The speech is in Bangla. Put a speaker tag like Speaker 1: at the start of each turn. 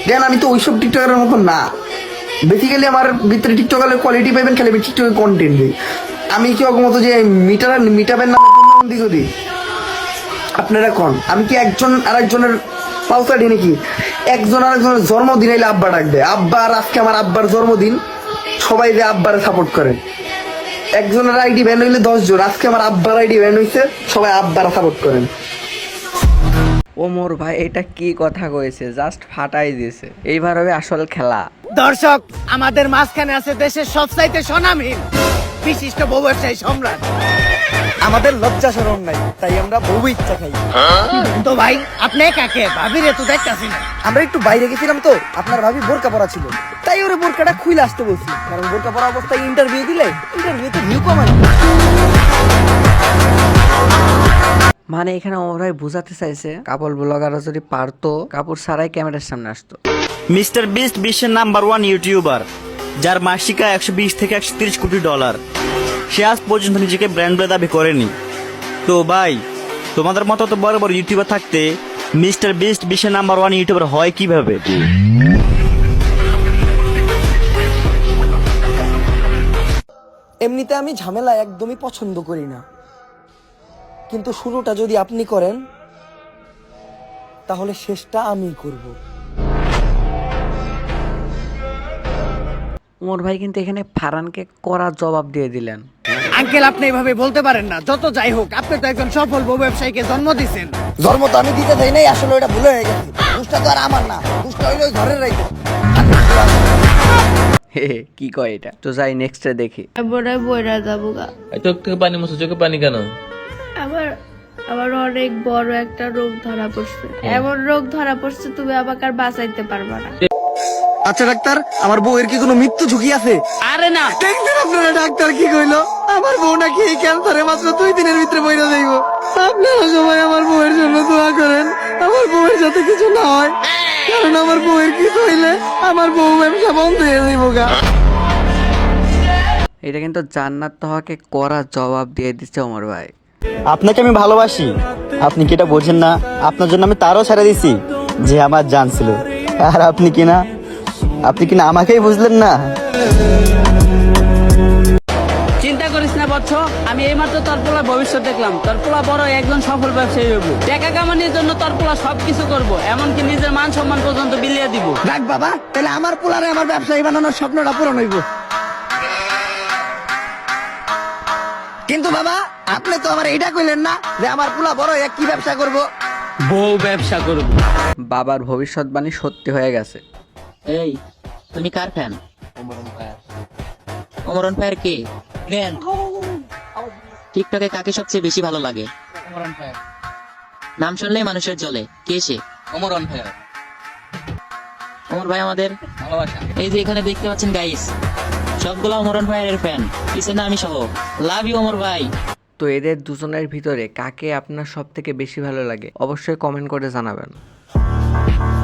Speaker 1: দেন আমি তো ওইসব টিকটকারের মতো না। বেসিক্যালি আমার ভিতরে টিকটকারের কোয়ালিটি পাইবেন, খালি আমি টিকটকের কন্টেন্ট দিই। আমি কি মতো যে মিটাবের নামে পূর্ণবন্ধী করি? আপনারা কোন আমি কি একজন আরেকজনের পাউসাডি নাকি? একজন আরেকজনের জন্মদিন এলে আব্বা ডাক দেয়। আব্বার আজকে আমার আব্বার জন্মদিন, সবাই যে আব্বারে সাপোর্ট করেন। একজনের আইডি ব্যান হইলে 10 জন, আজকে আমার আব্বার আইডি ব্যান হইছে, সবাই আব্বারে সাপোর্ট করেন।
Speaker 2: ওমর ভাই এটা কি কথা কয়েছে, জাস্ট ফাটাই দিয়েছে। এইবার হবে আসল খেলা।
Speaker 3: দর্শক, আমাদের মাঝখানে আছে দেশের সবচাইতে স্বনামহীন বিশিষ্ট বউ ব্যবসায়ী সম্রাট।
Speaker 1: আমাদের লজ্জা শরম নাই, তাই আমরা বউ ইচ্ছা খাই।
Speaker 3: তো ভাই আপনি কাকে ভাবিরে তো দেখতাছি না।
Speaker 1: আমরা একটু বাইরে গেছিলাম তো, আপনার ভাবি বোরকা পরা ছিল, তাই ওরে বোরকাটা খুলে আসতে বলছি। কারণ বোরকা পরা অবস্থায় ইন্টারভিউ দিলে ইন্টারভিউতে ভিউ কমায়।
Speaker 2: মানে এখানে ওমর ভাই বোঝাতে চাইছে কাপড় ব্লগাররা যদি পারতো কাপড় ছাড়াই ক্যামেরার সামনে আসতো।
Speaker 4: মিস্টার বিস্ট বিশ্বের নাম্বার 1 ইউটিউবার, যার মাসিক আয় 120 থেকে 130 কোটি ডলার। সে আজ পর্যন্ত নিজেকে ব্র্যান্ড বলে দাবি করেনি। তো ভাই, তোমাদের মতো তো বড় বড় ইউটিউবার থাকতে মিস্টার বিস্ট বিশ্বের নাম্বার 1 ইউটিউবার হয় কিভাবে?
Speaker 1: এমনিতে আমি ঝামেলা একদমই পছন্দ করি না, কিন্তু শুরুটা যদি আপনি করেন তাহলে শেষটা আমি করব।
Speaker 2: ওমর ভাই কিন্তু এখানে ফারহানকে কড়া জবাব দিয়ে দিলেন।
Speaker 3: আঙ্কেল, আপনি এভাবে বলতে পারেন না। যত যাই হোক, আপনি তো একজন সফল বউ ব্যবসায়ীকে জন্ম দিয়েছেন।
Speaker 1: জন্ম তো আমি দিতে চাই নাই, আসলে ওটা ভুলে হয়ে গেছে। দুষ্টা তো আর আমার না, দুষ্টা হইলে ওই ঘরের রাইতে।
Speaker 2: হে হে, কি কয় এটা? তো যাই নেক্সটে দেখি।
Speaker 5: তারপরে বইরা যাবো গা।
Speaker 6: চোখ থেকে পানি মুছো, চোখে পানি কেন?
Speaker 5: আবার আবার অনেক বড় একটা রোগ ধরা পড়ছে। এমন রোগ ধরা পড়ছে তুমি আমাকে আর বাঁচাইতে পারবা না।
Speaker 1: আচ্ছা ডাক্তার, আমার বউয়ের কি কোনো মৃত্যু ঝুঁকি আছে?
Speaker 3: আরে না,
Speaker 1: দেখছেন আপনারা ডাক্তার কি কইলো? আমার বউ নাকি এই ক্যান্সারে মাত্র 2 দিনের ভিতরে মরে যাইব। আপনারা সবাই আমার বউয়ের জন্য দোয়া করেন, আমার বউয়ের যাতে কিছু না হয়। কারণ আমার বউয়ের কিছু হইলে আমার বউ ব্যবসা বন্ধ হয়ে যাইব গা।
Speaker 2: এটা কিন্তু জান্নাত তাহাকে কড়া জবাব দিয়ে দিচ্ছে ওমর ভাই।
Speaker 4: আপনাকে আমি ভালোবাসি, আপনি কি এটা বোঝেন না? আপনার জন্য আমি তারও ছেড়ে দিছি যে আমার জান ছিল। আর আপনি কিনা আমাকেই বুঝলেন না।
Speaker 7: চিন্তা করিস না বচ্চ, আমি এইমাত্র তোর পোলার ভবিষ্যৎ দেখলাম। তোর পোলা বড় একজন সফল ব্যবসায়ী হইব। টাকা কামানোর জন্য তোর পোলা সবকিছু করব, এমনকি নিজের মান সম্মান পর্যন্ত বিলিয়ে দিব।
Speaker 1: দেখ বাবা, তাহলে আমার পোলারে আমার ব্যবসায়ী বানানোর স্বপ্নটা পূরণ হইব। কিন্তু বাবা, আপনি তো আমার এইটা কইলেন না যে আমার পোলা বড় এক কি ব্যবসা করব?
Speaker 7: বউ ব্যবসা করব।
Speaker 2: বাবার ভবিষ্যৎবাণী সত্যি হয়ে গেছে।
Speaker 8: এই, তুমি কার ফ্যান? ওমরন ভাইয়ের কে ফ্যান? টিকটকে কাকে সবচেয়ে বেশি ভালো লাগে? নাম শুনলেই মানুষের জ্বলে। কে সে? ওমর ভাই আমাদের ভালোবাসা। এই যে এখানে দেখতে পাচ্ছেন গাইস, সবগুলো ওমর ভাইয়ের ফ্যান, পিছনে আমি সহ। লাভ ইউ ওমর ভাই।
Speaker 2: তো এদের দুজনের ভিতরে কাকে আপনার সব থেকে বেশি ভালো লাগে অবশ্যই কমেন্ট করে জানাবেন।